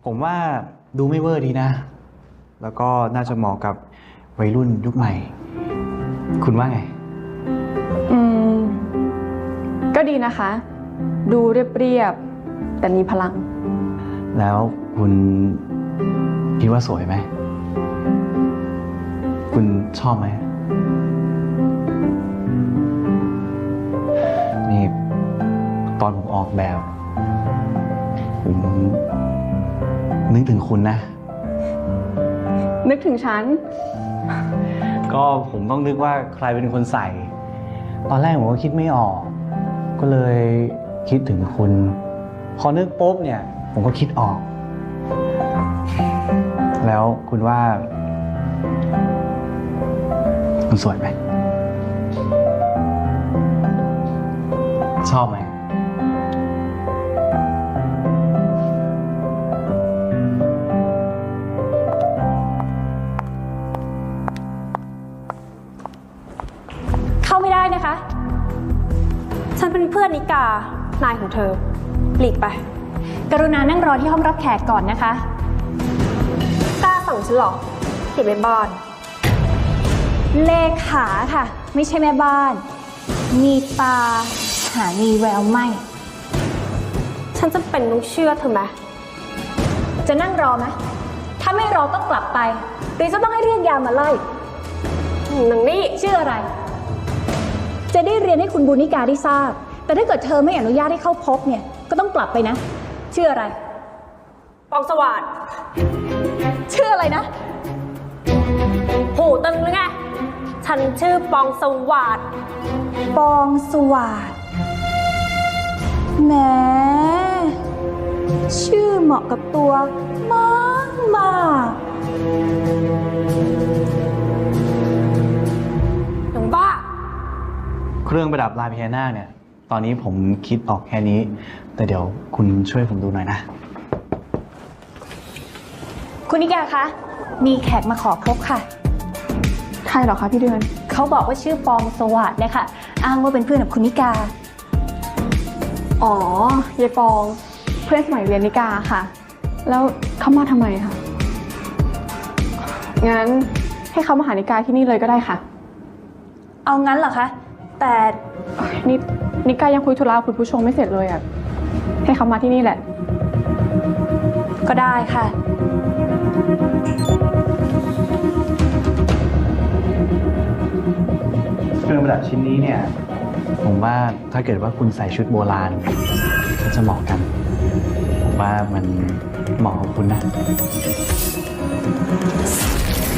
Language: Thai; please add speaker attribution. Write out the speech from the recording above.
Speaker 1: ผมว่าดูไม่เวอร์ดีนะ แล้วก็น่าจะเหมาะกับวัยรุ่นยุคใหม่ คุณว่าไง
Speaker 2: อืม ก็ดีนะคะ ดูเรียบๆแต่มีพลัง
Speaker 1: แล้วคุณคิดว่าสวยไหม คุณชอบไหม นี่ตอนผมออกแบบ ผมนึกถึงคุณนะ
Speaker 2: นึกถึงฉัน
Speaker 1: ก็ผมต้องนึกว่าใครเป็นคนใส่ ตอนแรกผมก็คิดไม่ออก ก็เลยคิดถึงคุณ พอนึกปุ๊บเนี่ย ผมก็คิดออก แล้วคุณว่า คุณสวยไหม ชอบไหม
Speaker 3: เข้าไม่ได้นะคะ ฉันเป็นเพื่อนนิกา นายของเธอ หลีกไป
Speaker 4: กรุณานั่งรอที่ห้องรับแขกก่อนนะคะ
Speaker 3: กล้าสั่งฉันหรอเก็บไว้บ้าน
Speaker 4: เลขาค่ะ ไม่ใช่แม่บ้าน มีตา หามีแววไม่
Speaker 3: ฉันจะเป็นต้องเชื่อเธอไหม
Speaker 4: จะนั่งรอไหมถ้าไม่รอก็กลับไป หรือจะต้องให้เรียกยามมาไล่
Speaker 3: หนังนี่
Speaker 4: ชื่ออะไร จะได้เรียนให้คุณบุญนิกาได้ทราบ แต่ถ้าเกิดเธอไม่อนุญาตให้เข้าพบเนี่ย ก็ต้องกลับไปนะ ชื่ออะไร
Speaker 3: ปองสว่าน
Speaker 4: ชื่ออะไรนะ
Speaker 3: หูตึงหรือไง ฉันชื่อปองสว่าน
Speaker 4: ปองสวาดแหมชื่อเหมาะกับตัวมากมาก
Speaker 3: หนังบ้า
Speaker 1: เครื่องประดับลายพญานาคเนี่ย ตอนนี้ผมคิดออกแค่นี้ แต่เดี๋ยวคุณช่วยผมดูหน่อยนะ
Speaker 4: คุณนิกาคะ มีแขกมาขอพบค่ะ
Speaker 2: ใครเหรอคะพี่เดือน
Speaker 4: เขาบอกว่าชื่อปองสวัสดนะคะอ้างว่าเป็นเพื่อนกับคุณนิกา
Speaker 2: อ๋อยายปอง เพื่อนสมัยเรียนนิกาค่ะ แล้วเขามาทำไมคะ งั้นให้เขามาหานิกาที่นี่เลยก็ได้ค่ะ
Speaker 4: เอางั้นเหรอคะ แต่
Speaker 2: นี่นิกายังคุยธุระกับคุณผู้ชมไม่เสร็จเลยอ่ะ ให้เขามาที่นี่แหละ
Speaker 4: ก็ได้ค่ะ
Speaker 1: เครื่องประดับชิ้นนี้เนี่ย ผมว่าถ้าเกิดว่าคุณใส่ชุดโบราณก็จะเหมาะกัน ผมว่ามันเหมาะกับคุณนะ